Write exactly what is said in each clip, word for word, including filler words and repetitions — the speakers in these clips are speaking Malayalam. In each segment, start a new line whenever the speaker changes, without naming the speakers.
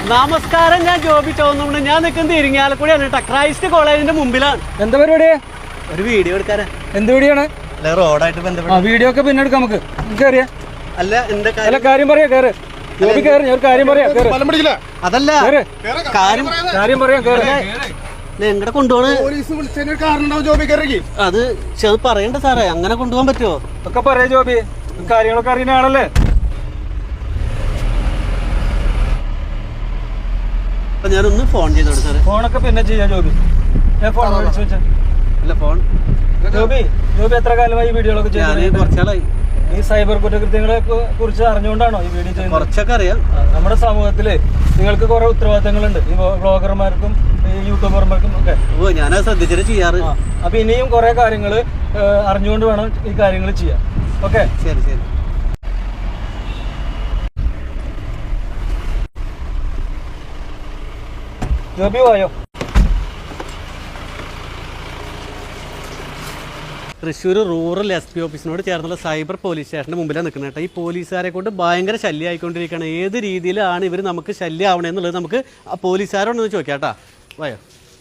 നമസ്കാരം, ഞാൻ ജോബി ചോന്നുണ്ട്. ഞാൻ നിൽക്കുന്നത് ഇരിങ്ങാലക്കുടിയാണ് കേട്ടോ, ക്രൈസ്റ്റ് കോളേജിന്റെ മുമ്പിലാണ്.
എന്താ പരിപാടി?
ഒരു വീഡിയോ എടുക്കാനാ.
എന്ത് വീഡിയോ ആണ്?
റോഡായിട്ട് ബന്ധപ്പെട്ട
വീഡിയോ ഒക്കെ പിന്നെ എടുക്കാം നമുക്ക്. കയറിയാ
അല്ല എന്താ
അല്ല കാര്യം പറയാ. കയറ് ജോബി, കയറി. ഞാൻ ഒരു കാര്യം പറയാം.
അതല്ല കാര്യം
കാര്യം പറയാം. കയറി.
എങ്ങടെ കൊണ്ടുപോണ്? അത് അത് പറയണ്ട സാറേ, അങ്ങനെ കൊണ്ടുപോകാൻ പറ്റുമോ?
ഒക്കെ പറയാ ജോബി, കാര്യങ്ങളൊക്കെ അറിയുന്ന ആളല്ലേ.
ഞാനൊന്ന് ഫോൺ ചെയ്തോട്ടെ സാറേ.
ഫോണൊക്കെ പിന്നെ ചെയ്യാം ജോബി. ഞാൻ ഫോൺ വിളിച്ചു വെച്ചാ
അല്ല ഫോൺ.
ജോബി ജോബി എത്ര കാലമായി ഈ വീഡിയോകളൊക്കെ ചെയ്യുന്നത്?
കുറച്ചാളായി.
ഈ സൈബർ കുറ്റകൃത്യങ്ങളെ കുറിച്ച് അറിഞ്ഞുകൊണ്ടാണോ ഈ വീഡിയോ ചെയ്യുന്നത്?
കുറച്ചൊക്കെ അറിയാം.
നമ്മുടെ സമൂഹത്തില് നിങ്ങൾക്ക് കുറെ ഉത്തരവാദിത്തങ്ങളുണ്ട്, ഈ ബ്ലോഗർമാർക്കും ഈ യൂട്യൂബർമാർക്കും ഒക്കെ.
ഓ, ഞാനത് ശ്രദ്ധിച്ചിട്ട് ചെയ്യാറ്.
അപ്പൊ ഇനിയും കുറെ കാര്യങ്ങൾ അറിഞ്ഞുകൊണ്ട് വേണം ഈ കാര്യങ്ങൾ ചെയ്യാൻ. ഓക്കെ,
ശരി ശരി.
ജോബി പോയോ?
തൃശ്ശൂർ റൂറൽ എസ് പി ഓഫീസിനോട് ചേർന്നുള്ള സൈബർ പോലീസ് സ്റ്റേഷൻ്റെ മുമ്പിലാണ് നിൽക്കുന്നത് കേട്ടോ. ഈ പോലീസുകാരെ കൊണ്ട് ഭയങ്കര ശല്യമായിക്കൊണ്ടിരിക്കുകയാണ്. ഏത് രീതിയിലാണ് ഇവർ നമുക്ക് ശല്യമാവണമെന്നുള്ളത് നമുക്ക് ആ പോലീസുകാരോടൊന്ന് ചോദിക്കാം കേട്ടോ. വായോ.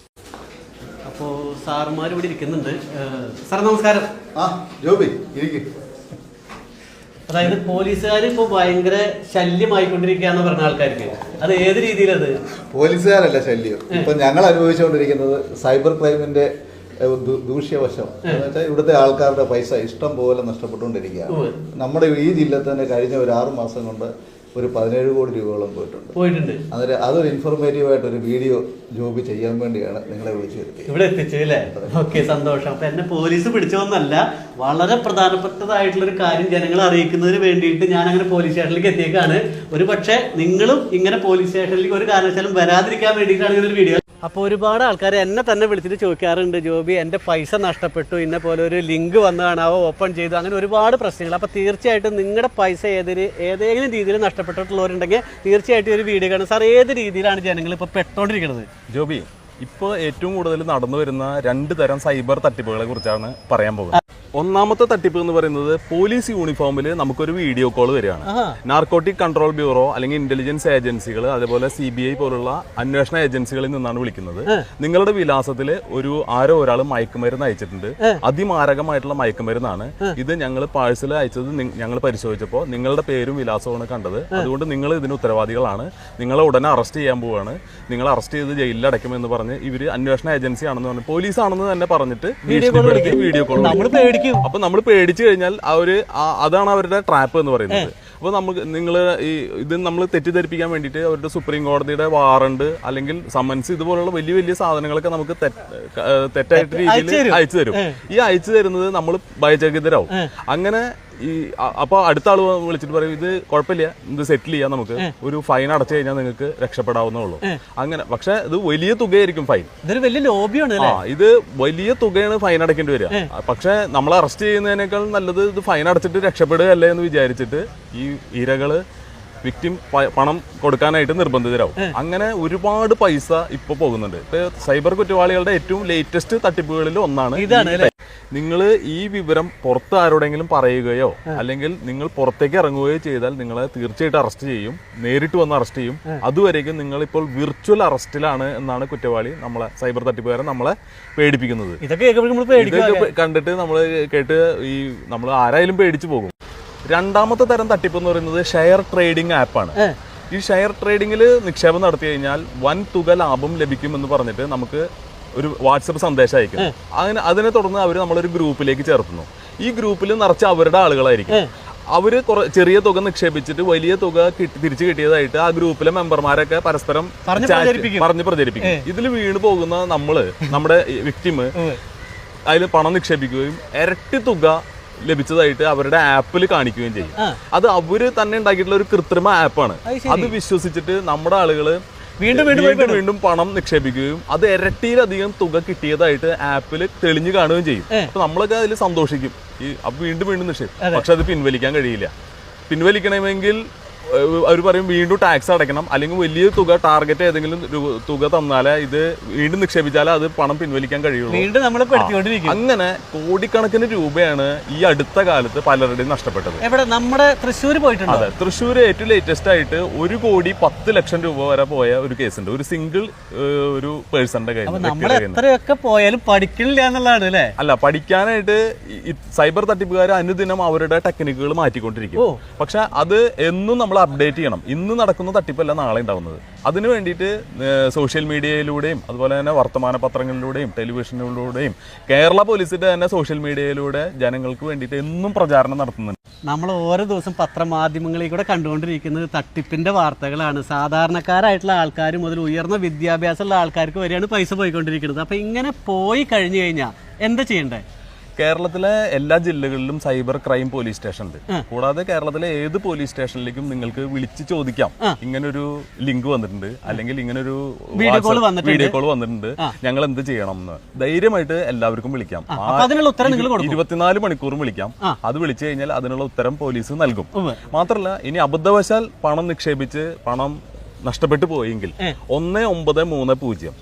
അപ്പോൾ സാറുമാർ ഇവിടെ ഇരിക്കുന്നുണ്ട്. സാർ നമസ്കാരം.
ആ ജോബി ഇരിക്കും.
അതായത് പോലീസുകാർ ഇപ്പോൾ ഭയങ്കര ശല്യമായിക്കൊണ്ടിരിക്കുകയെന്ന് പറഞ്ഞ ആൾക്കാർക്ക് അത് ഏത് രീതിയിലത്?
പോലീസുകാരല്ല ശല്യം, ഇപ്പൊ ഞങ്ങൾ അനുഭവിച്ചുകൊണ്ടിരിക്കുന്നത് സൈബർ ക്രൈമിന്റെ ദൂഷ്യവശം എന്ന് വെച്ചാൽ ഇവിടുത്തെ ആൾക്കാരുടെ പൈസ ഇഷ്ടം പോലെ നഷ്ടപ്പെട്ടുകൊണ്ടിരിക്കുകയാണ്. നമ്മുടെ ഈ ജില്ലയിൽ തന്നെ കഴിഞ്ഞ ഒരു ആറു മാസം കൊണ്ട് ഒരു പതിനേഴ് കോടി രൂപയോളം പോയിട്ടുണ്ട്
പോയിട്ടുണ്ട്
അന്നേരം അതൊരു ഇൻഫോർമേറ്റീവ് ആയിട്ട് ഒരു വീഡിയോ ജോബി ചെയ്യാൻ വേണ്ടിയാണ് നിങ്ങളെ വിളിച്ചു വരുത്തിയത്.
ഇവിടെ എത്തിച്ചു അല്ലേ? ഓക്കെ, സന്തോഷം. അപ്പൊ എന്നെ പോലീസ് പിടിച്ചോന്നല്ല, വളരെ പ്രധാനപ്പെട്ടതായിട്ടുള്ള ഒരു കാര്യം ജനങ്ങളെ അറിയിക്കുന്നതിന് വേണ്ടിയിട്ട് ഞാൻ അങ്ങനെ പോലീസ് സ്റ്റേഷനിലേക്ക് എത്തിയേക്കാണ്. ഒരു പക്ഷേ നിങ്ങളും ഇങ്ങനെ പോലീസ് സ്റ്റേഷനിലേക്ക് ഒരു കാരണവശാലും വരാതിരിക്കാൻ വേണ്ടിയിട്ടാണ് ഇങ്ങനെ ഒരു വീഡിയോ. അപ്പോൾ ഒരുപാട് ആൾക്കാർ എന്നെ തന്നെ വിളിച്ചിട്ട് ചോദിക്കാറുണ്ട്, ജോബി എൻ്റെ പൈസ നഷ്ടപ്പെട്ടു, ഇന്നെ പോലെ ഒരു ലിങ്ക് വന്ന് കാണാവോ, ഓപ്പൺ ചെയ്തു, അങ്ങനെ ഒരുപാട് പ്രശ്നങ്ങൾ. അപ്പോൾ തീർച്ചയായിട്ടും നിങ്ങളുടെ പൈസ ഏതൊരു ഏതെങ്കിലും രീതിയിൽ നഷ്ടപ്പെട്ടിട്ടുള്ളവരുണ്ടെങ്കിൽ തീർച്ചയായിട്ടും ഒരു വീഡിയോ കാണും. സാർ, ഏത് രീതിയിലാണ് ജനങ്ങൾ ഇപ്പോൾ പെട്ടോണ്ടിരിക്കുന്നത്?
ജോബി, ഇപ്പോൾ ഏറ്റവും കൂടുതൽ നടന്നു വരുന്ന രണ്ട് തരം സൈബർ തട്ടിപ്പുകളെ കുറിച്ചാണ് പറയാൻ പോകുന്നത്. ഒന്നാമത്തെ തട്ടിപ്പ് എന്ന് പറയുന്നത് പോലീസ് യൂണിഫോമിൽ നമുക്കൊരു വീഡിയോ കോൾ വരികയാണ്. നാർക്കോട്ടിക് കൺട്രോൾ ബ്യൂറോ അല്ലെങ്കിൽ ഇന്റലിജൻസ് ഏജൻസികൾ, അതേപോലെ സി ബി ഐ പോലുള്ള അന്വേഷണ ഏജൻസികളിൽ നിന്നാണ് വിളിക്കുന്നത്. നിങ്ങളുടെ വിലാസത്തിൽ ഒരു ആരോ ഒരാൾ മയക്കുമരുന്ന് അയച്ചിട്ടുണ്ട്, അതിമാരകമായിട്ടുള്ള മയക്കുമരുന്നാണ് ഇത്, ഞങ്ങൾ പാഴ്സൽ അയച്ചത് ഞങ്ങൾ പരിശോധിച്ചപ്പോൾ നിങ്ങളുടെ പേരും വിലാസവുമാണ് കണ്ടത്, അതുകൊണ്ട് നിങ്ങൾ ഇതിന് ഉത്തരവാദികളാണ്, നിങ്ങളെ ഉടനെ അറസ്റ്റ് ചെയ്യാൻ പോവുകയാണ്, നിങ്ങൾ അറസ്റ്റ് ചെയ്ത് ജയിലിൽ അടയ്ക്കുമെന്ന് പറഞ്ഞ് ഇവര് അന്വേഷണ ഏജൻസി ആണെന്ന് പറഞ്ഞു, പോലീസ് ആണെന്ന് തന്നെ പറഞ്ഞിട്ട് വീഡിയോ കോൾ. അപ്പൊ നമ്മൾ പേടിച്ചു കഴിഞ്ഞാൽ അവര് അതാണ് അവരുടെ ട്രാപ്പ് എന്ന് പറയുന്നത്. അപ്പൊ നമുക്ക് നിങ്ങൾ ഈ ഇത് നമ്മൾ തെറ്റിദ്ധരിപ്പിക്കാൻ വേണ്ടിയിട്ട് അവരുടെ സുപ്രീം കോടതിയുടെ വാറണ്ട് അല്ലെങ്കിൽ സമൻസ് ഇതുപോലുള്ള വലിയ വലിയ സാധനങ്ങളൊക്കെ നമുക്ക് തെറ്റായിട്ട് രീതിയിൽ അയച്ചു തരും. ഈ അയച്ചു തരുന്നത് നമ്മൾ ഭയചകിതരാവും. അങ്ങനെ ഈ അപ്പൊ അടുത്ത ആള് വിളിച്ചിട്ട് പറയും, ഇത് കുഴപ്പമില്ല, ഇത് സെറ്റിൽ ചെയ്യാം, നമുക്ക് ഒരു ഫൈൻ അടച്ചു കഴിഞ്ഞാൽ നിങ്ങൾക്ക് രക്ഷപ്പെടാവുന്നേ ഉള്ളൂ. അങ്ങനെ പക്ഷെ ഇത് വലിയ തുകയായിരിക്കും ഫൈൻ.
ഇതൊരു വലിയ ലോബിയാണ്.
ആ, ഇത് വലിയ തുകയാണ് ഫൈൻ അടയ്ക്കേണ്ടി വരിക. പക്ഷെ നമ്മൾ അറസ്റ്റ് ചെയ്യുന്നതിനേക്കാൾ നല്ലത് ഇത് ഫൈൻ അടച്ചിട്ട് രക്ഷപ്പെടുകയല്ലേ എന്ന് വിചാരിച്ചിട്ട് ഈ ഇരകള് വിക്ടിം പണം കൊടുക്കാനായിട്ട് നിർബന്ധിതരാവും. അങ്ങനെ ഒരുപാട് പൈസ ഇപ്പൊ പോകുന്നുണ്ട്. ഇപ്പൊ സൈബർ കുറ്റവാളികളുടെ ഏറ്റവും ലേറ്റസ്റ്റ് തട്ടിപ്പുകളിൽ ഒന്നാണ് ഇതാണ്. നിങ്ങൾ ഈ വിവരം പുറത്ത് ആരോടെങ്കിലും പറയുകയോ അല്ലെങ്കിൽ നിങ്ങൾ പുറത്തേക്ക് ഇറങ്ങുകയോ ചെയ്താൽ നിങ്ങളെ തീർച്ചയായിട്ടും അറസ്റ്റ് ചെയ്യും, നേരിട്ട് വന്ന് അറസ്റ്റ് ചെയ്യും. അതുവരേക്കും നിങ്ങൾ ഇപ്പോൾ വിർച്വൽ അറസ്റ്റിലാണ് എന്നാണ് കുറ്റവാളി നമ്മളെ സൈബർ തട്ടിപ്പുകാരൻ നമ്മളെ പേടിപ്പിക്കുന്നത്. ഇതൊക്കെ കണ്ടിട്ട് നമ്മൾ കേട്ട് ഈ നമ്മൾ ആരായാലും പേടിച്ചു പോകും. രണ്ടാമത്തെ തരം തട്ടിപ്പ് എന്ന് പറയുന്നത് ഷെയർ ട്രേഡിംഗ് ആപ്പാണ്. ഈ ഷെയർ ട്രേഡിംഗിൽ നിക്ഷേപം നടത്തി കഴിഞ്ഞാൽ വൻ തുക ലാഭം ലഭിക്കും എന്ന് പറഞ്ഞിട്ട് നമുക്ക് ഒരു വാട്സപ്പ് സന്ദേശം അയക്കും. അങ്ങനെ അതിനെ തുടർന്ന് അവർ നമ്മളൊരു ഗ്രൂപ്പിലേക്ക് ചേർത്തുന്നു. ഈ ഗ്രൂപ്പിൽ നിറച്ച് അവരുടെ ആളുകളായിരിക്കും. അവര് കുറെ ചെറിയ തുക നിക്ഷേപിച്ചിട്ട് വലിയ തുക തിരിച്ചു കിട്ടിയതായിട്ട് ആ ഗ്രൂപ്പിലെ മെമ്പർമാരൊക്കെ പരസ്പരം പറഞ്ഞ് പ്രചരിപ്പിക്കും. ഇതിൽ വീണ് പോകുന്ന നമ്മള്, നമ്മുടെ വിക്ടിം അതിൽ പണം നിക്ഷേപിക്കുകയും ഇരട്ടി തുക ലഭിച്ചതായിട്ട് അവരുടെ ആപ്പിൽ കാണിക്കുകയും ചെയ്യും. അത് അവര് തന്നെ ഉണ്ടാക്കിയിട്ടുള്ള ഒരു കൃത്രിമ ആപ്പാണ്. അത് വിശ്വസിച്ചിട്ട് നമ്മുടെ ആളുകള് വീണ്ടും വീണ്ടും വീണ്ടും പണം നിക്ഷേപിക്കുകയും അത് ഇരട്ടിയിലധികം തുക കിട്ടിയതായിട്ട് ആപ്പിൽ തെളിഞ്ഞു കാണുകയും ചെയ്യും. അപ്പൊ നമ്മളൊക്കെ അതിൽ സന്തോഷിക്കും, ഈ അപ്പൊ വീണ്ടും വീണ്ടും നിക്ഷേപിക്കും. പക്ഷെ അത് പിൻവലിക്കാൻ കഴിയില്ല. പിൻവലിക്കണമെങ്കിൽ അവർ പറയും വീണ്ടും ടാക്സ് അടയ്ക്കണം, അല്ലെങ്കിൽ വലിയ തുക ടാർഗറ്റ് ഏതെങ്കിലും രു- തുക തന്നാലേ ഇത് വീണ്ടും നിക്ഷേപിച്ചാലേ അത് പണം പിൻവലിക്കാൻ കഴിയുള്ളൂ.
വീണ്ടും നമ്മളെ പെടുത്തിക്കൊണ്ടിരിക്കും.
അങ്ങനെ കോടിക്കണക്കിന് രൂപയാണ് ഈ അടുത്ത കാലത്ത് പലരുടെയും നഷ്ടപ്പെട്ടത്.
എവിടെ? നമ്മുടെ തൃശ്ശൂർ പോയിട്ടുണ്ടോ?
അതെ, തൃശ്ശൂർ ഏറ്റവും ലേറ്റസ്റ്റ് ആയിട്ട് ഒരു കോടി പത്ത് ലക്ഷം രൂപ വരെ പോയ ഒരു കേസുണ്ട്, ഒരു സിംഗിൾ ഒരു പേഴ്സന്റെ കയ്യിൽ.
അപ്പൊ നമ്മൾ എത്രയൊക്കെ പോയാലും പഠിക്കണില്ല എന്നുള്ളതാണ് അല്ലേ?
അല്ല, പഠിക്കാനായിട്ട് ഈ സൈബർ തട്ടിപ്പുകാർ അനുദിനം അവരുടെ ടെക്നിക്കുകൾ മാറ്റിക്കൊണ്ടിരിക്കും. പക്ഷെ അത് എന്നും നമ്മൾ അപ്ഡേറ്റ് ചെയ്യണം. ഇന്ന് നടക്കുന്ന തട്ടിപ്പല്ല നാളെ ഉണ്ടാവുന്നത്. അതിനു വേണ്ടിയിട്ട് സോഷ്യൽ മീഡിയയിലൂടെയും അതുപോലെ തന്നെ വർത്തമാന പത്രങ്ങളിലൂടെയും ടെലിവിഷനിലൂടെയും കേരള പോലീസിന്റെ തന്നെ സോഷ്യൽ മീഡിയയിലൂടെ ജനങ്ങൾക്ക് വേണ്ടിയിട്ട് എന്നും പ്രചാരണം നടത്തുന്നുണ്ട്.
നമ്മൾ ഓരോ ദിവസം പത്രമാധ്യമങ്ങളിൽ കൂടെ കണ്ടുകൊണ്ടിരിക്കുന്നത് തട്ടിപ്പിന്റെ വാർത്തകളാണ്. സാധാരണക്കാരായിട്ടുള്ള ആൾക്കാർ മുതൽ ഉയർന്ന വിദ്യാഭ്യാസമുള്ള ആൾക്കാർക്ക് വരെയാണ് പൈസ പോയിക്കൊണ്ടിരിക്കുന്നത്. അപ്പൊ ഇങ്ങനെ പോയി കഴിഞ്ഞു കഴിഞ്ഞാൽ എന്താ ചെയ്യണ്ടേ?
കേരളത്തിലെ എല്ലാ ജില്ലകളിലും സൈബർ ക്രൈം പോലീസ് സ്റ്റേഷൻ ഉണ്ട്. കൂടാതെ കേരളത്തിലെ ഏത് പോലീസ് സ്റ്റേഷനിലേക്കും നിങ്ങൾക്ക് വിളിച്ച് ചോദിക്കാം, ഇങ്ങനൊരു ലിങ്ക് വന്നിട്ടുണ്ട്, അല്ലെങ്കിൽ ഇങ്ങനൊരു വീഡിയോ കോൾ വന്നിട്ടുണ്ട്, ഞങ്ങൾ എന്ത് ചെയ്യണം എന്ന് ധൈര്യമായിട്ട് എല്ലാവർക്കും വിളിക്കാം. ഇരുപത്തിനാല് മണിക്കൂറും വിളിക്കാം. അത് വിളിച്ചു കഴിഞ്ഞാൽ അതിനുള്ള ഉത്തരം പോലീസ് നൽകും. മാത്രമല്ല, ഇനി അബദ്ധവശാൽ പണം നിക്ഷേപിച്ച് പണം നഷ്ടപ്പെട്ടു പോയെങ്കിൽ ഒന്ന് ഒമ്പത് മൂന്ന് പൂജ്യം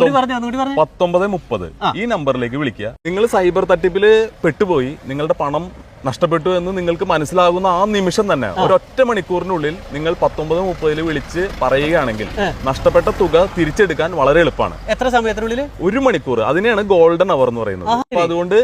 പത്തൊമ്പത് മുപ്പത് ഈ നമ്പറിലേക്ക് വിളിക്കുക. നിങ്ങൾ സൈബർ തട്ടിപ്പില് പെട്ടുപോയി നിങ്ങളുടെ പണം നഷ്ടപ്പെട്ടു എന്ന് നിങ്ങൾക്ക് മനസ്സിലാകുന്ന ആ നിമിഷം തന്നെ ഒരൊറ്റ മണിക്കൂറിനുള്ളിൽ നിങ്ങൾ പത്തൊമ്പത് മുപ്പതില് വിളിച്ച് പറയുകയാണെങ്കിൽ നഷ്ടപ്പെട്ട തുക തിരിച്ചെടുക്കാൻ വളരെ എളുപ്പമാണ്.
എത്ര സമയത്തിനുള്ളിൽ?
ഒരു മണിക്കൂർ. അതിനെയാണ് ഗോൾഡൻ അവർ എന്ന് പറയുന്നത്. അപ്പൊ അതുകൊണ്ട്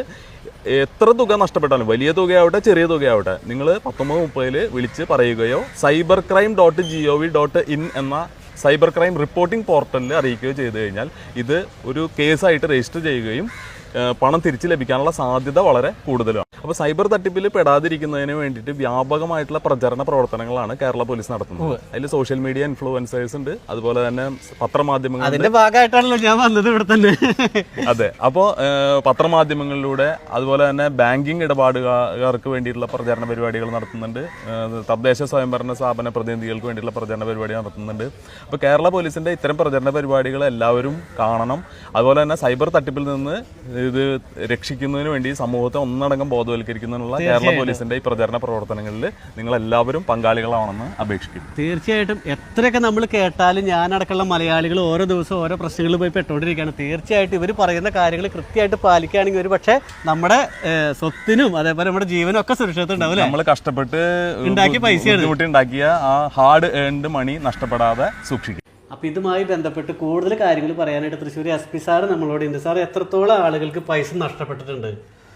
എത്ര തുക നഷ്ടപ്പെട്ടാലും, വലിയ തുകയാവട്ടെ ചെറിയ തുകയാവട്ടെ, നിങ്ങൾ പത്തൊമ്പത് മുപ്പതില് വിളിച്ച് പറയുകയോ cyber crime dot G O V dot in എന്ന സൈബർ ക്രൈം റിപ്പോർട്ടിംഗ് പോർട്ടലിൽ അറിയിക്കുകയോ ചെയ്തു കഴിഞ്ഞാൽ ഇത് ഒരു കേസായിട്ട് രജിസ്റ്റർ ചെയ്യുകയും പണം തിരിച്ചു ലഭിക്കാനുള്ള സാധ്യത വളരെ കൂടുതലാണ്. അപ്പോൾ സൈബർ തട്ടിപ്പിൽ പെടാതിരിക്കുന്നതിന് വേണ്ടിയിട്ട് വ്യാപകമായിട്ടുള്ള പ്രചരണ പ്രവർത്തനങ്ങളാണ് കേരള പോലീസ് നടത്തുന്നത്. അതിൽ സോഷ്യൽ മീഡിയ ഇൻഫ്ലുവൻസേഴ്സ് ഉണ്ട്, അതുപോലെ തന്നെ പത്രമാധ്യമങ്ങൾ.
അതിന്റെ ഭാഗമായിട്ടാണല്ലോ ഞാൻ വന്നത് ഇവിടെ തന്നെ.
അതെ, അപ്പോൾ പത്രമാധ്യമങ്ങളിലൂടെ അതുപോലെ തന്നെ ബാങ്കിങ് ഇടപാടുകാർക്ക് വേണ്ടിയിട്ടുള്ള പ്രചരണ പരിപാടികൾ നടത്തുന്നുണ്ട്. തദ്ദേശ സ്വയംഭരണ സ്ഥാപന പ്രതിനിധികൾക്ക് വേണ്ടിയിട്ടുള്ള പ്രചരണ പരിപാടി നടത്തുന്നുണ്ട്. അപ്പോൾ കേരള പോലീസിന്റെ ഇത്തരം പ്രചരണ പരിപാടികൾ എല്ലാവരും കാണണം. അതുപോലെ തന്നെ സൈബർ തട്ടിപ്പിൽ നിന്ന് ഇത് രക്ഷിക്കുന്നതിന് വേണ്ടി സമൂഹത്തെ ഒന്നടങ്കം ബോധവൽക്കരിക്കുന്നതിനുള്ള കേരള പോലീസിന്റെ ഈ പ്രചരണ പ്രവർത്തനങ്ങളിൽ നിങ്ങൾ എല്ലാവരും പങ്കാളികളാണെന്ന് അപേക്ഷിക്കുന്നു.
തീർച്ചയായിട്ടും എത്രയൊക്കെ നമ്മൾ കേട്ടാലും ഞാനടക്കമുള്ള മലയാളികൾ ഓരോ ദിവസവും ഓരോ പ്രശ്നങ്ങളിൽ പോയി പെട്ടുകൊണ്ടിരിക്കുകയാണ്. തീർച്ചയായിട്ടും ഇവർ പറയുന്ന കാര്യങ്ങൾ കൃത്യമായിട്ട് പാലിക്കുകയാണെങ്കിൽ ഒരു പക്ഷേ നമ്മുടെ സ്വത്തിനും അതേപോലെ നമ്മുടെ ജീവനും ഒക്കെ സുരക്ഷിതം ഉണ്ടാവില്ല.
നമ്മൾ കഷ്ടപ്പെട്ട്
ഉണ്ടാക്കിയ പൈസയാണ്
ഉണ്ടാക്കിയ ആ ഹാർഡ് ഏൺഡ് മണി നഷ്ടപ്പെടാതെ സൂക്ഷിക്കും.
അപ്പോൾ ഇതുമായി ബന്ധപ്പെട്ട് കൂടുതൽ കാര്യങ്ങൾ പറയാനായിട്ട് തൃശ്ശൂർ എസ് പി സാറ് നമ്മളോട് ഉണ്ട്. സാർ, എത്രത്തോളം ആളുകൾക്ക് പൈസ നഷ്ടപ്പെട്ടിട്ടുണ്ട്?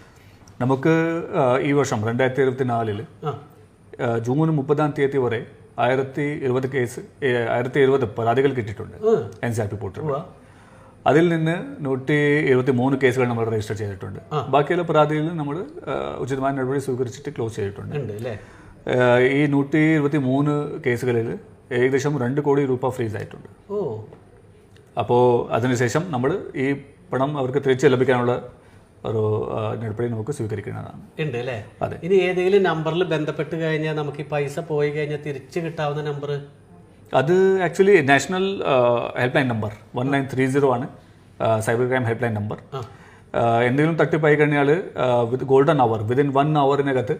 നമുക്ക് ഈ വർഷം രണ്ടായിരത്തി ഇരുപത്തി നാലില് ജൂൺ മുപ്പതാം തീയതി വരെ ആയിരത്തി ഇരുപത് കേസ് ആയിരത്തി ഇരുപത് പരാതികൾ കിട്ടിയിട്ടുണ്ട് N C R P portal. അതിൽ നിന്ന് നൂറ്റി എഴുപത്തി മൂന്ന് കേസുകൾ നമ്മൾ രജിസ്റ്റർ ചെയ്തിട്ടുണ്ട്. ബാക്കിയുള്ള പരാതികളിൽ നമ്മൾ ഉചിതമായ നടപടി സ്വീകരിച്ചിട്ട് ക്ലോസ് ചെയ്തിട്ടുണ്ട്. ഈ നൂറ്റി ഇരുപത്തി മൂന്ന് കേസുകളിൽ ഏകദേശം രണ്ട് കോടി രൂപ ഫ്രീസ് ആയിട്ടുണ്ട്. അപ്പോൾ അതിനുശേഷം നമ്മൾ ഈ പണം അവർക്ക് തിരിച്ച് ലഭിക്കാനുള്ള ഒരു നടപടി നമുക്ക് സ്വീകരിക്കുന്നതാണ്.
ഉണ്ട് അല്ലേ? അതെ. ഇനി ഏതെങ്കിലും നമ്പറിൽ ബന്ധപ്പെട്ട് കഴിഞ്ഞാൽ നമുക്ക് ഈ പൈസ പോയി കഴിഞ്ഞാൽ തിരിച്ച് കിട്ടാവുന്ന നമ്പർ?
അത് actually national help line number one nine three zero ആണ് cyber crime help line number. എന്തെങ്കിലും തട്ടിപ്പായി കഴിഞ്ഞാൽ with golden hour within one അവറിനകത്ത്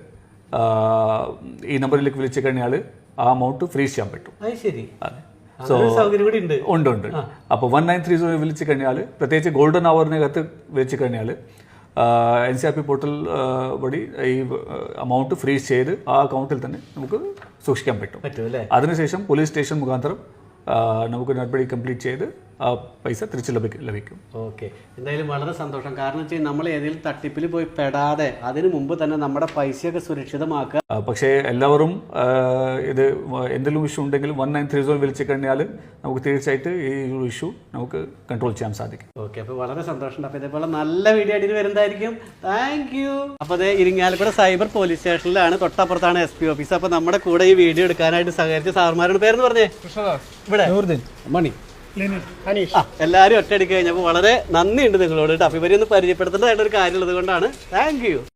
ഈ നമ്പറിലേക്ക് വിളിച്ചു കഴിഞ്ഞാൽ ആ അമൗണ്ട് ഫ്രീസ് ചെയ്യാൻ പറ്റും.
ശരി.
അതെ. സോ ഉണ്ട് ഉണ്ട് അപ്പോൾ വൺ നയൻ ത്രീ സീറോ വിളിച്ചു കഴിഞ്ഞാൽ, പ്രത്യേകിച്ച് ഗോൾഡൻ അവറിനകത്ത് വിളിച്ചു കഴിഞ്ഞാൽ N C R P portal വഴി ഈ അമൗണ്ട് ഫ്രീസ് ചെയ്ത് ആ അക്കൗണ്ടിൽ തന്നെ നമുക്ക് സൂക്ഷിക്കാൻ പറ്റും. അതിനുശേഷം പോലീസ് സ്റ്റേഷൻ മുഖാന്തരം നമുക്ക് നടപടി കംപ്ലീറ്റ് ചെയ്ത് ആ പൈസ തിരിച്ച് ലഭിക്കും ലഭിക്കും
ഓക്കെ. എന്തായാലും വളരെ സന്തോഷം. കാരണം വെച്ചാൽ നമ്മൾ ഏതെങ്കിലും തട്ടിപ്പിൽ പോയി പെടാതെ അതിന് മുമ്പ് തന്നെ നമ്മുടെ പൈസയൊക്കെ സുരക്ഷിതമാക്കുക.
പക്ഷേ എല്ലാവരും ഇത് എന്തെങ്കിലും ഇഷ്യൂ ഉണ്ടെങ്കിൽ വൺ നയൻ ത്രീ സീറോ വിളിച്ചു കഴിഞ്ഞാൽ നമുക്ക് തീർച്ചയായിട്ടും ഈ ഒരു ഇഷ്യൂ നമുക്ക് കൺട്രോൾ ചെയ്യാൻ സാധിക്കും.
ഓക്കെ, അപ്പോൾ വളരെ സന്തോഷം. അപ്പോൾ ഇതേപോലെ നല്ല വീഡിയോ ആയിട്ട് വരുന്നതായിരിക്കും. Thank you. അപ്പോൾ അതേ ഇരിങ്ങാലക്കുട സൈബർ പോലീസ് സ്റ്റേഷനിലാണ്, തൊട്ടപ്പുറത്താണ് എസ് പി ഓഫീസ്. അപ്പോൾ നമ്മുടെ കൂടെ ഈ വീഡിയോ എടുക്കാനായിട്ട് സഹകരിച്ച സാറുമാരുടെ പേരെന്ന് പറഞ്ഞേ? ഇവിടെ മണി, എല്ലാവരും ഒറ്റയടിക്ക് കഴിഞ്ഞപ്പോൾ വളരെ നന്ദിയുണ്ട് നിങ്ങളോട്. അപ്പോൾ ഇവരെയൊന്ന് പരിചയപ്പെടുത്തേണ്ടതായിട്ടൊരു കാര്യമുള്ളത് കൊണ്ടാണ്. Thank U.